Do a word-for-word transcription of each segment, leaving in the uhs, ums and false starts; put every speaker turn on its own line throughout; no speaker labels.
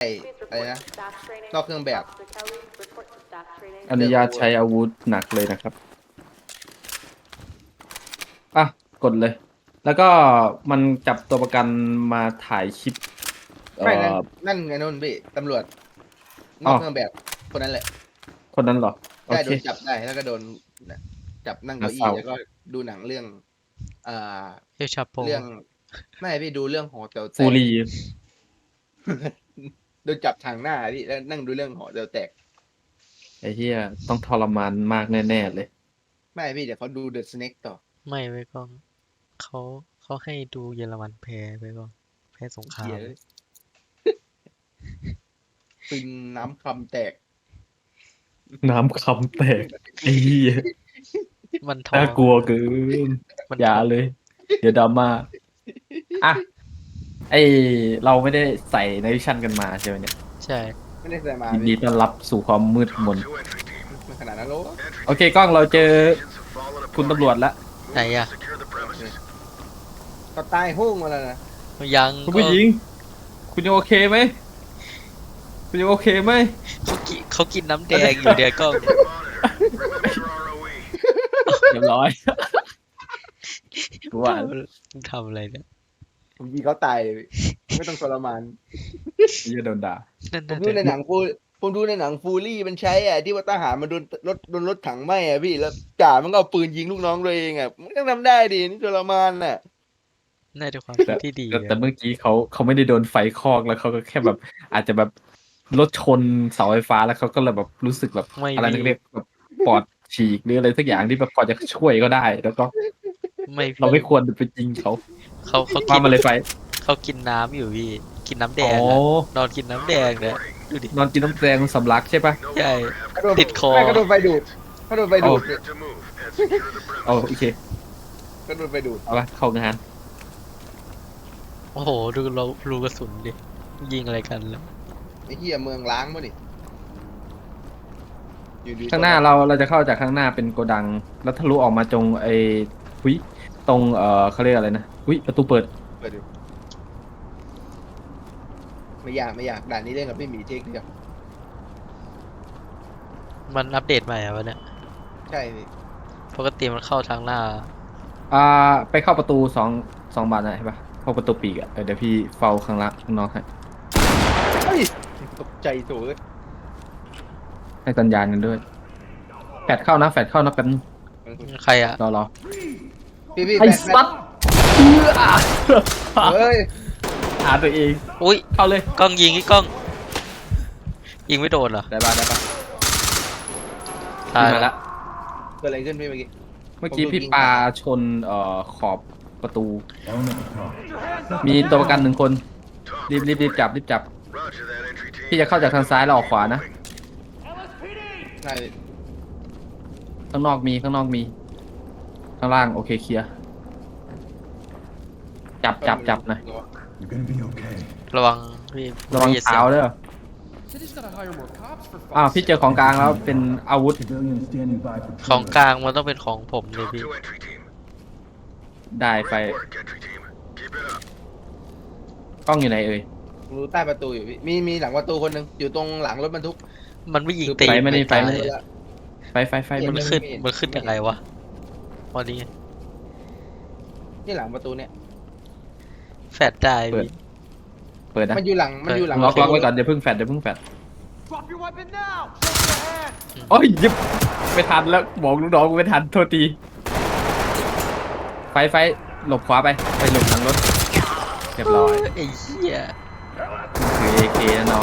อะไรนะนอกเครื่องแบบ
อนุญาตใช้อาวุธหนักเลยนะครับอ่ะกดเลย แล้วก็มันจับตัวประกันมาถ่ายคลิปเอ่
ไม่นั่น
อ
นั่นไงนู่นพี่ตำรวจน
อ๋อ
อกเครื่องแบบคนนั้นแหละ
คนนั้นเหรอโอ
ได้
เค
โดนจับได้แล้วก็โดนจับนั่ง
น่า
เก้าอี้
เศร้า
แล้วก็ดูหนังเรื่องอ่า
เอลชาโป
เรื่องไม่พี่ดูเรื่องหอแต๋วแตก
ฟูรี
โดนจับทางหน้าพี่แล้วนั่งดูเรื่องหอแต๋วแตก
ไอ้เหี้ยต้องทรมานมากแน่ๆเลย
ไม่พี่เดี๋ยวเขาดูเดอะสเน็กต่อ
ไม่ไว้ก่อนเขาเขาให้ดูเยอรมันแพ้ไปก่อนแพ้สงครา
เหี้ย
ม
เลยฟินน้ำคำแตก
น้ำคำแตกไอ้เหี้ย
มันทอ
น่าง กลัวเกิน
มัน
อย่า
ทอง
เลย เดี๋ยวดราม่าอ่ะไอเราไม่ได้ใส่ในวิชั่นกันมาใช่ไหมเนี่ย
ใช่
ไม่ได้ใส่มา
ยินดี
พี่
ต้อนรับสู่ความมืดมน
มันขนาดนั้นโล
โอเคกล้องเราเจอคุณตำรวจแล้ว
ไหนอะ
เขาตายหุ้งมาแล้วนะ
ยัง
คุณผู้หญิง คุณยังโอเคไหมคุณยังโอเคไหม
เขากินเขากินน้ำแดงอยู่เดี๋ยวก็
เรียบร้อยกูว่า
มึงทำอะไรเนี่ย
ผมยิงเขาตายเลยพี่ไม่ต้องทรมาน
จะโดนด่า
นั่น
ผม
น่ะ
ดูในหนังฟูผมดูในหนังฟูรี่มันใช้อ่ะที่ว่าทหารมันโดนรถโดนรถถังไหม้อ่ะพี่แล้วจ่ามันก็เอาปืนยิงลูกน้องตัวเองอ่ะมันก็ทำได้ดินี่ทรมานน่ะ
น่าจะความ
แต่
คิดที่ดี
แต่
อะ
แต่เมื่อกี้เขาเขาไม่ได้โดนไฟคอกแล้วเขาก็แค่แบบ อาจจะแบบรถชนเสาไฟฟ้าแล้วเขาก็เลยแบบรู้สึกแบบ
ไม่
อะไร
มี
เรียกแบบปอดฉีกหรืออะไรสักอย่างที่แบบพอจะช่วยก็ได้ แล้วก็
ไม่
เรา
พี่
ไม่ควรไปยิงเขา
เขาเขา
ว่า
กิน
มาเลยไฟ
เขากินน้ำอยู่พี่กินน้ำแด
อ๋อง
อะนอนกินน้ำแดงเนี่ยดูดิ
นอนกินน้ำแดงสำลักใช่ปะ
ใช่
เขาโดน
ติดคอ
ไม่เขาโดนไฟดูดเขาโดนไฟดูด
เอาโอเค
เขาโดนไฟดูด
เอาละเข้างาน
โอ้โหดูเรารูกระสุนดิยิงอะไรกันแล้ว
ไอ้เหี้ยเมืองล้างมั้ดิอยู่ดี
ข้างหน้าเราเราจะเข้าจากข้างหน้าเป็นโกดัง แล้วทะลุออกมาจงไอ้หุยตรงเอ่อเขาเรียกอะไรนะหุยประตูเปิด
เปิดดูไม่อยากไม่อยากด่านนี้เล่นกับพี่หมีเทคเดียว
มันอัปเดตใหม่อะวะเนี่ย
ใช่พี่
ปกติมันเข้าทางหน้า
อ่าไปเข้าประตูสองสองบานนะใช่ปะเข้าประตูปีกอะเออเดี๋ยวพี่เฝ้าข้างล่างข้างนอกให้
เฮ้ยตกใจโถ่เอ้ย
ให้สัญญาณกันด้วยแฟดเข้านะแฟดเข้านะแป๊บนึง
ใครอะ
รอรอ
พี่พี่
ไอ้
แฟน
สัตว์เอื้อ
เฮ้ย
หาตัวเอง
อุ้ย
เข้าเลย
กล้องยิงที่กล้อง ยิงไม่โดนเหรอ
ได้ป่ะได้ป่ะ
ตาย
มา
แล้
ละ
ว
เกิดอะไรขึ้นพี่เมื่อกี้
เมื่อกี้
ผมโดน
พี่
ยิง
ปาชนเอ่อขอบประตู มีตัวประกันหนึ่งคน รีบรีบรีบจับรีบจับ พี่จะเข้าจากทางซ้ายแล้วออกขวานะ
ใช่
ข้างนอกมีข้างนอกมี ข้างล่างโอเคเคลียร์จับจับจับหน่อย
You're gonna be okay.
ระวังพี่
ระวัง
อย่
เท้า
สีย
City's
เด้อ
gotta hire more cops for
อ้าว
fuck's
พี่เจอของกลางแล้วเป็นอาวุธ
Civilians standing by for
ของ
trailer.
กลางมันต้องเป็นของผมเลยพี่
ได้ไฟกล้องอยู่ไหนเอ่ย
รู้ใต้ประตูอยู่พี่มีมีหลังประตูคนหนึ่งอยู่ตรงหลังรถบรรทุก
มันไม่ยิง
คือ
ตี
ไฟไม่ได้ไฟไม่
ตาย
ได้ ไฟไฟไฟ
เห็
มัน
ไม่
ขึ้น
ไม่เห็น
มันขึ้นยังไงวะวันนี้
นี่หลังประตูเนี่ย
แฟดได้
เปิด
พี่
เปิดนะ
มันอยู่หลังมันอยู่หลัง
ล็อกล็อก
ประตู
ไว้ก่อนอย่าเพิ่งแฟดอย่าเพิ่งแฟด
Drop your weapon now! Show your hand!
โอ้ยยิบไม่ทันแล้วบอกลูกน้องกูไม่ทันโทษทีไฟไฟหลบขวาไปไปหลบหลังรถเรียบร้อย
ไอ้เหี้ย
ถือ เอ เค นะน้อง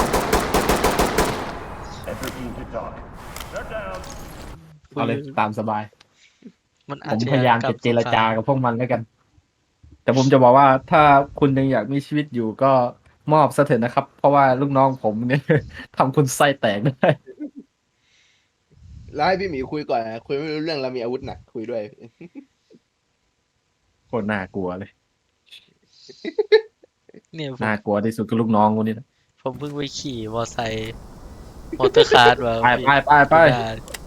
Enter team to talk. They're down.
เอาเลยตามสบาย
มัน
ผ
อาจ
ม
จะ
พยายามจะเจรจากับพวกมันแล้วกัน แต่ผมจะบอกว่าถ้าคุณยังอยากมีชีวิตอยู่ก็มอบซะเถอะนะครับ เพราะว่าลูกน้องผมเนี่ย ทำคุณไส้แตกได้
แล้วให้พี่หมีคุยก่อนนะคุยไม่รู้เรื่องเรามีอาวุธหนักคุยด้วย
โคตรน่ากลัวเลย
เนี่ยผม
น่ากลัวที่สุดก็ลูกน้องกูนี่นะ
ผมเพิ่งไปขี่มอไซค์มอเตอร์คาร์ดมา
ไปไปไปไป
ได้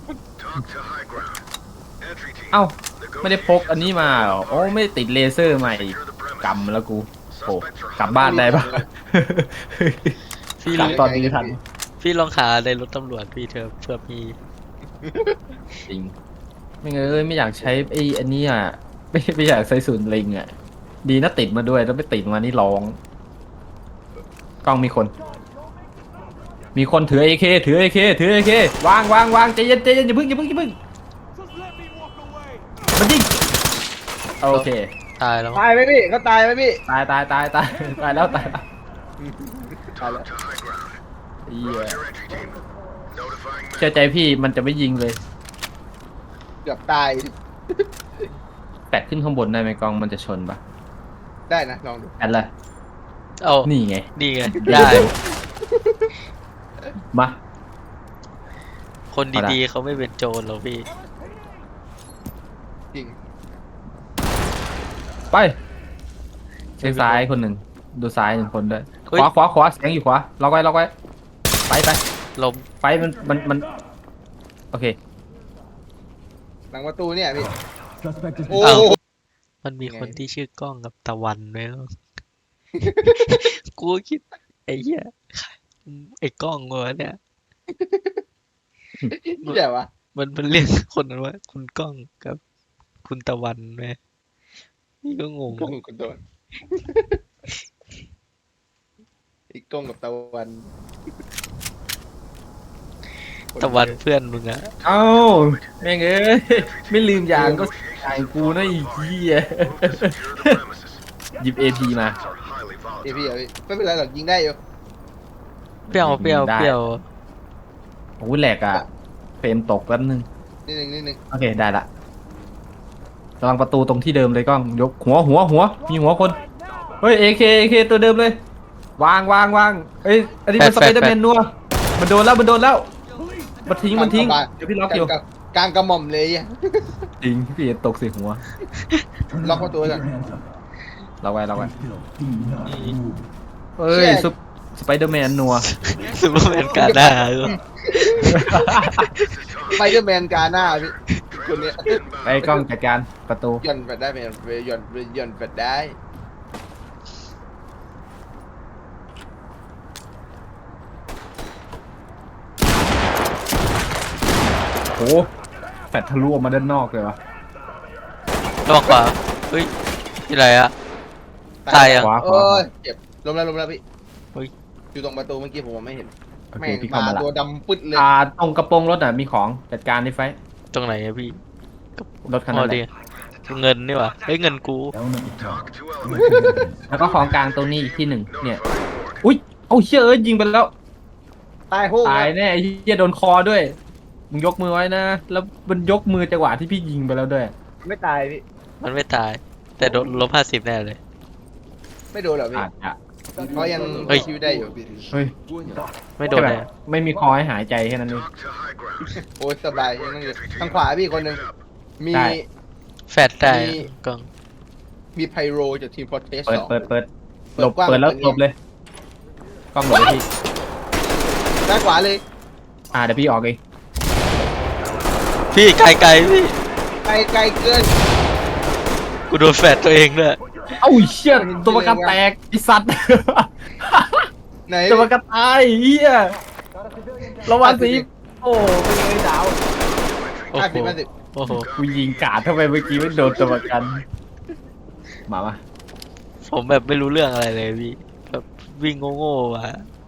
เอ้าไม่ได้พกอันนี้มาเหรอโอ้ไม่ได้ติดเลเซอร์ใหม่อีกกำแล้วกูโอ้กลับบ้านได้ปะ
พี่
กลับ
ลอง
ตอนนี้ทัน
พี่ลองหาในรถตำรวจพี่เธอเพื่อมี
จริงไม่เงยไม่อยากใช้ไอ้อันนี้อ่ะไม่ไม่อยากใช้ศูนย์ลิงอ่ะดีนะติดมาด้วยแล้วไม่ติดมานี่ร้องกล้องมีคน มีคนถือ เอ เค ถือ เอ เค ถือ เอ เค วางวางวางใจเย็นใจเย็นอย่าเพิ่งอย่าเพิ่งอย่าเพิ่งมันยิงโอเค
ตายแล้ว
ตายไหมพี่เขาตายไหมพี่
ตายตายตายตายตายแล้วตายแล้ว
ตายแล้ว
เหี้ยเชื่อใจพี่มันจะไม่ยิงเลย
เกือบตาย
แปดขึ้นข้างบนได้ไหมกล้องมันจะชนปะ
ได้นะลองดู
แอดเลย
เอา
นี่ไง
นี่ไงได้
มา
คนดีๆเขาไม่เป็นโจรหรอกพี่
จริง
ไปเช็คซ้ายคนหนึ่งดูซ้ายหนึ่งคนด้วย
เฮ้ย
ขวาขวาขวาเสียงอยู่ขวาล็อกไว้ล็อกไว้ไปไป
ลม
ไปมันมันมันโอเค
หลังประตูเนี่ยพี่
Suspect is
โอ้
อ้าวมันมีคนที่ชื่อกล้องกับตะวันไหมวะ กูคิดไอ้เหี้ยไอ้กล้องวะเนี่ย
นี่แหละวะ
มันมันเรียกคนนั้นว่าคุณกล้องกับคุณตะวันไหมนี่ก็งง
กล้องกับตะวันอีกกล้องกับตะวัน
ตะวันเพื่อนมึงอะ
เอ้าแม่งเอ้ยไม่ลืมยางก็ยางกูนะอีกทีอ่ะหยิบ เอ พี มา
เอพี่อะพี่ไม่เป็นไรหรอกยิงได้อยู่
เปรี้ยวเปรี้ยว
ได้
เปรี้ยว
โอ้ยแหลกอ่ะเฟรมตกแป๊บนึง
นิดนึงนิดนึง
โอเคได้ละระวังประตูตรงที่เดิมเลยกล้องยกหัวหัวหัวมีหัวคนเฮ้ย เอ เค เอ เค ตัวเดิมเลย วางวางวางเอ้ยอันนี้มันสไปเดอร์แมนนัวมันโดนแล้วมันโดนแล้วมันทิ้งมันทิ้งเดี๋ยวพี่ล็อกอยู่
กลางกลางกระหม่อมเลยอะ
จริงพี่ตกใส่หัว
ล็อกประตูไว้ก่อน
hands up.
เราไว้เราไว้
Still do not move.
เอ้ยซุปสไปเดอร์แมนนัว
ซูเปอร์แมนกาหน้าเออ
สไปเดอร์แมนกาหน้าพี่คนเนี้ย
ไปกล้องจัดการประตู
หย่อนแฟดได้ไหมหย่อนหย่อนแฟดได้
โอ้แฟดทะลุออกมาด้านนอกเลยวะ
ระวังขวาเฮ้ยที่ไรอะ ตายอะ
ขวาข
โอ้
วาย
เจ็บล้มแล้วล้มแล้วพี่
เฮ้ย
อยู่ตรงประตูเมื่อกี้ผมมองไม่เห็น
โอเค
แม่ง
พี่เข้า
มา
มาละ
ตัวดำปึ๊ดเลย
อ่าตรงกระโปรงรถอ่ะมีของจัดการในไฟ
ตรงไหนอะพี่
รถคัน
อ๋
นั้
อน
แห
ดี
ละ
เงินนี่หว่าเฮ้ยเงินกู
Element to talk. Collecting evidence.
แล้วก็ของกลางตรงนี้อีกที่หนึ่งเนี่ยอุ้ยเอาเชี่ยเอ้ยยิงไปแล้ว
ตายโห้ง
ตายแน่ไอ้เหี้ยโดนคอด้วยมึงยกมือไว้นะแล้วมันยกมือจังหวะที่พี่ยิงไปแล้วด้วย
ไม่ตายพี่
มันไม่ตาย แต่โดนลบห้าสิบแน่เลย
ไม่โดนหรอพี่
อาจจะ
เขายัง
เฮ้ย
ชีวิตได้อยู่พี่
เฮ้ย
ไม่โดน
แค่
แน่
แบบไม่มีคอให้หายใจแค่นั้นเอง
โอ้ยสบายยังนั่งอยู่ทางขวาพี่คนหนึ่งมี
ได้
แฟดได้
มี
กล้อง
มีไพโรจากทีมพอร์เทส
เปิด
สอง
เปิดเปิด
เปิ
หล
ด
บ
กว้าง
เปิดแล้ว
เปิด
หลบเลยกล้องหลบเลยพี่
ด้านขวาเลย
อ่าเดี๋ยวพี่ออกเอง
พี่ไกลไกลๆพี่
ไกลไกลเกิน
กูโดนแฟดตัวเองด้วย
เอ้าเชี่ยตัวประกันแตกไอสัตว์
ไหน
ตัวประกันตายเฮียระวังสิโอ้ไม่เลยดาว
โอ้
ห้า
โห
สิบห้าสิบ
โอ้โห
กูยิงกาดทำไมเมื่อกี้ไม่โดนตัวประกันมามา
ผมแบบไม่รู้เรื่องอะไรเลยพี่แบบวิ่งโง่ๆมา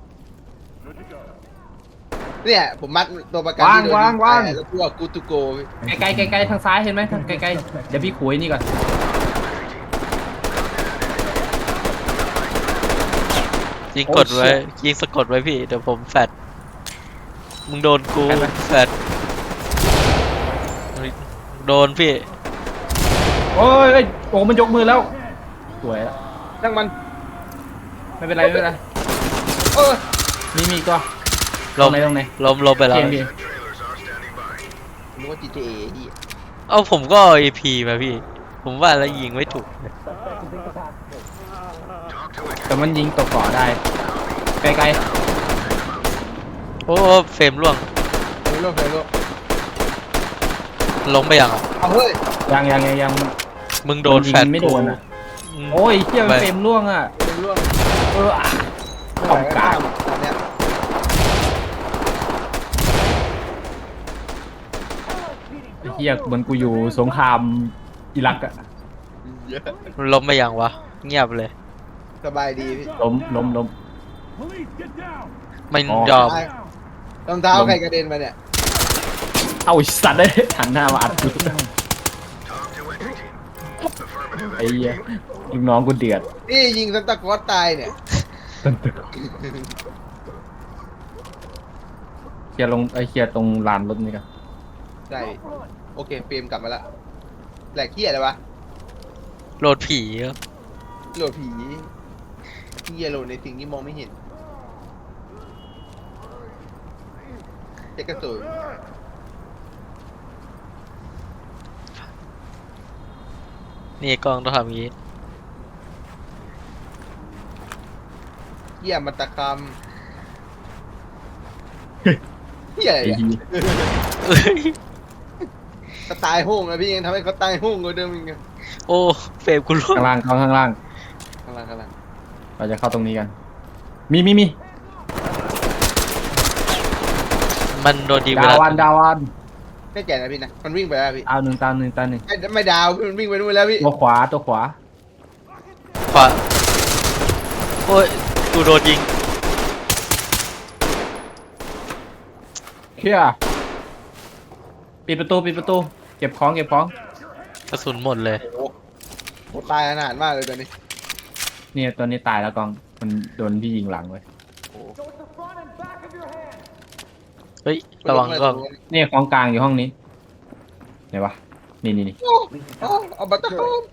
เนี่ยผมมัดตัวประกัน
วาง
ที่โดน
วางวาง
ยิแล้วพวกกูตูโก
ไกลๆไกลๆทางซ้ายเห็นไหมทางไกลๆเดี๋ยวพี่ขุยนี่ก่อน
ยิงกดไว้ยิงสะกดไว้พี่เดี๋ยวผมแฟดมึงโดนกูแฟดเฮ้ยโดนพี่
โอ้ยเอ้ยโอ้มันยกมือแล้วสวยแล้ว
นั่งมัน
ไม่เป็นไรไม่เป็นไร
เออ
มีมีก็
ล
ตร
ม
งไหนตรงไหน
ลมลมไปแล้ว
เกมพี่
นึกว่า จี ที เอ ที่
เอาผมก็เอพีมาพี่ ผมว่าแล้วยิงไม่ถูก
แต่มันยิงตกเกาะได้ไกล
โอ้เฟรมร่วง
เฮ้ยโลกเฮ้ยโลก
ล้มไปยังอ่ะ
เอาเฮ้ย
ๆยังยังยังยัง
มึงโดน
ยิง
แฟด
ไม่โดนอ่ะ
อืม
โอ้ยเที่ย
ไป
เฟรมล่วงอ่ะ
เป็นร่วง
เอออ่ะ ของกลาง
ตอนเนี้ย
ฮียเหมือนกูอยู่สงครามอิรักอะ
เยอะ
มันล้มไปยังวะ เงียบเลย
สบายดีพี่
ล้มล้มล้ม
Police, get down.
ไม่
อ๋อ
ยอม
รองเท้าใครกระเด็นมาเนี่ย
เอาไอ้สัตว์เลยหันหน้ามาอัดกู
Down.
Talk to entry team. Affirmative
ไอ้
entry
เหี้ย
team.
ลูกน้องกูเดือด
นี่ยิงซันตาคลอสตายเนี่ย
เคลียร์ลงไอ้เคลียร์ตรงลานรถนี่กัน
ใช่โอเคเฟรมกลับมาละแหลกเหี้ยอะไรวะ
โหลดผีครับ
โหลดผีเหี้ยโหลดในสิ่งที่มองไม่เห็นเจ๊กระสุน
นี่กล้องต้องทำอย่างงี้
เหี้ยมันตะคำเหี้ยอะไร
ไอ้
เนี่ย
เหี้ย
เอ้ย
เขาตายโห้งนะพี่ยังทำให้เขาตายโห้งกว่าเดิมอีกไง
โอ้เฟรมกูร่วง
ข้างล่างเข้าข้างล่าง
ข้างล่างข้างล่าง
เราจะเข้าตรงนี้กัน มีมีมี
มันโดนยิงไป
ดา
แล้ว
วันดาวัน
แน่ใจนะพี่นะมันวิ่งไปแล้วพี่
เอาหนึ่งตามหนึ่งตามหนึ่ง
ไม่ไม่ดาวพี่มันวิ่งไปนู่นแล้วพี่
ตัวขวาตัวขวา
ขวาโอ้ยกูโดนยิง
เคลียร์ปิดประตูปิดประตูเก็บของเก็บของ
กระสุนหมดเลย
โอ้โหตายอนาถมากเลยตอนนี้
เนี่ยตัวนี้ตายแล้วกองมันโดนพี่ยิงหลังเลย
เฮ้ย ระวังกล้อง
เนี่ยของกลางอยู่ห้องนี้ไหนวะนี่นี่นี่
โอ้โอ้เอาบัตรคอม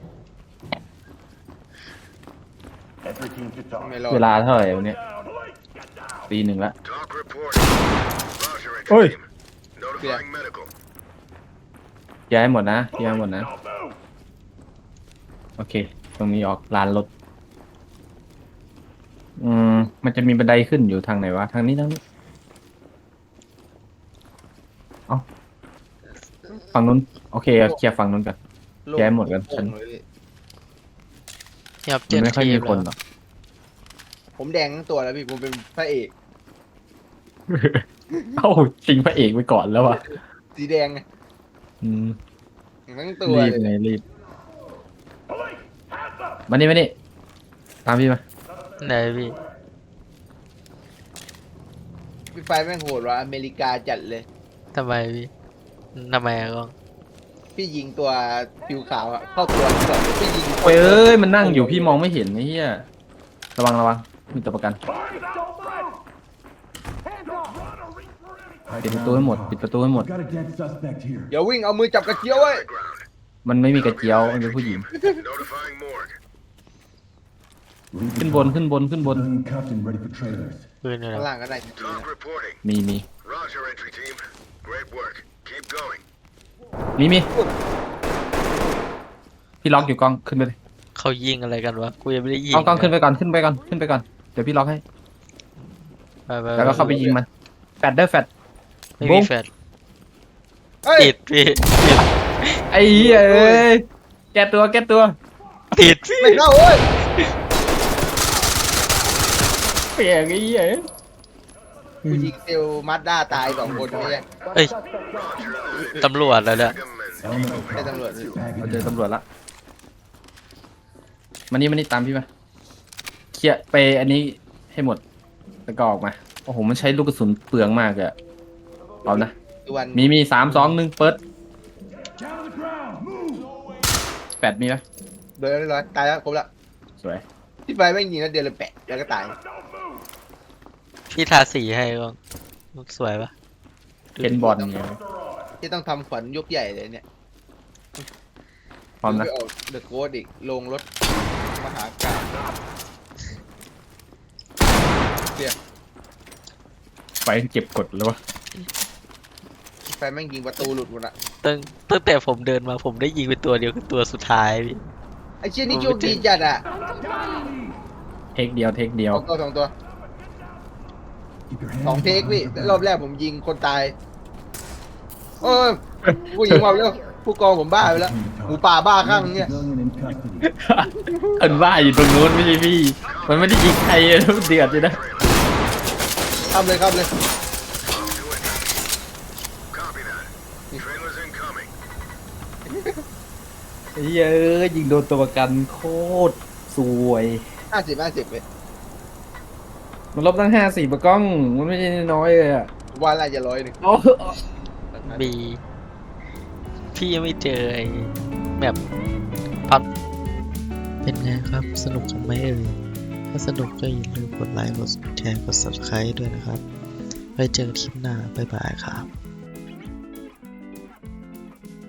Entry team to talk.
ไม่รอด
เวลาเท่าไหร่วะเนี่ยตีหนึ่งละ
Talk reporting. Roger, entry
Oi.
team. Notifying medical.
ย้ายหมดนะย้ายหมดนะโอเค ตรงนี้ออกลานรถอืมมันจะมีบันไดขึ้นอยู่ทางไหนวะทางนี้ทางนี้เอ้าฝั่งนู้นโอเคเอาเคลียร์ฝั่งนู้นกัน
โล่ง
แก้หมดกันฉัน
โล่งเลยพี่
เนี่ยครับ
มั
เจ็
น
ด
ไม่ค่อย
ที
มี
ม
คนหร
แล้ว
อก
ผมแดงทั้งตัวแล้วพี่ผมเป็นพระเอก
เอ้าชิงพระเอกไปก่อนแล้ววะ
สีแดงไง
อืม
ทั้งตัว
รีบ
เลย
ไงรีบมานี่มานี่ตามพี่มา
ไหนพี่
พี่ไฟแม่งโหดว่ะอเมริกาจัดเลย
ทำไมพี่ทำไมอะกล้อง
พี่ยิงตัวผิวขาวอะเข้าตัวก่อนพี่ยิง
โอ้ยเอ้ยมันนั่งอยู่พี่มองไม่เห็นไอ้เหี้ยระวังระวังมีตัวประกัน ปิดประตูให้หมดปิดประตูให้หมด
Got a dead suspect here.
อย่าวิ่งเอามือจับกระเจียวไว้
Ground.
มันไม่มีกระเจียวมันเป็นผู้หญิง
Notifying morgue.
Leave
ขึ้น
the
บนขึ้นบนขึ้นบน
civilian cuffed and ready for trailers.
ปืนอยู่ไหน
ข้างล่างก็ได้
Talk reporting.
มีมี
Roger, entry team. Great work. Keep going.
มีมีพี่ล็อกอยู่กล้องขึ้นไปเลย
เขายิงอะไรกันวะ กูยังไม่ได้ยิง
กล้องกล้องขึ้นไปก่อนขึ้นไปก่อนขึ้นไปก่อนเดี๋ยวพี่ล็อกให้
ไปไป
แล้วก็เข้าไปยิงมันแฟดได้แฟด
ไม่
บุ้
มี
ง
แฟลช
เฮ้ย
ติดพี่ติด
ไอ้เหี้ยเอ้ยแก้ตัวแก้ตัว
ติดพี่
ไม่เข้าเว้ย
เปลี่ยนไอ้เหี้ย
ผู้ยิงเซลล์มาสด้าตายสองคนไม่ใช่
เอ้ย ตำรวจแล้วเนี่ย
Recommend.
Elemental
ใช่ตำรวจ
bag
เรา
it
เจอ
in.
ตำรวจละมานี่มานี่ตามพี่มาเคลียร์ไปอันนี้ให้หมดแล้วก็ออกมาโอ้โหมันใช้ลูกกระสุนเปลืองมากเลยอะเอานะ
ทุกวัน
มีมีสามสองหนึ่งเปิด
Down to the ground. Move.
แปดมีไหม
เดินเรียบร้อยตายแล้วครบแล้ว
สวย
พี่ไฟแม่งยิงแล้วเดียวเลยแปะแล้วก็ตาย
พี่ทาสีให้กล้องสวยปะ
เป็นบอลเนี่ย
ที่ต้องทำขวัญยกใหญ่เลยเนี่ย
พร้อมนะ
ไปออกเดอะโค้ดอีกลงรถมหากาพย์เสีย
ไฟเก็บกดเลยวะ
พี่ไฟแม่งยิงประตูหลุดหมดอะ
ตั้งตั้งแต่ผมเดินมาผมได้ยิงเป็นตัวเดียวคือตัวสุดท้ายพี่
ไอ้เชี่ยนี่โชคดีจัดอะ
เทคเดียวเทคเดียว
สองตัวสองตัว
Keep your
สอง
hands
เทค
behind
พี่
your back.
รอบแรกผมยิงคนตายเออผู้ยิงมาแล้วผู้กองผมบ้าไปแล้วหมูป่าบ้าข้างเนี่ย
Civilian in custody.
เอินว่าอยู่ตรงนู้นไม่ใช่พี่ มันไม่ได้ยิงใครเลยมันเดือดเลยนะ
ข้ามเลยข้ามเลย
Talk to entry team. Copy that. Trailers incoming.
ไอ้เหี้ยเอ้ยยิงโดนตัวประกันโคตรสวย
ห้าสิบห้าสิบเลย
มันลบตั้งห้าสี่ปะกล้องมันไม่ใช่น้อยเลยอ่ะ
ว่าน่าจะร้อยหนึ่ง
โอ้
บีพี่ยังไม่เจอไอ้แบบพับเป็นไงครับสนุกกันไหมเอ่ยถ้าสนุกก็อย่าลืมกดไลค์กดแชร์กด ซับสไครบ์ ด้วยนะครับไว้เจอกันคลิปหน้าบ๊ายบายครับ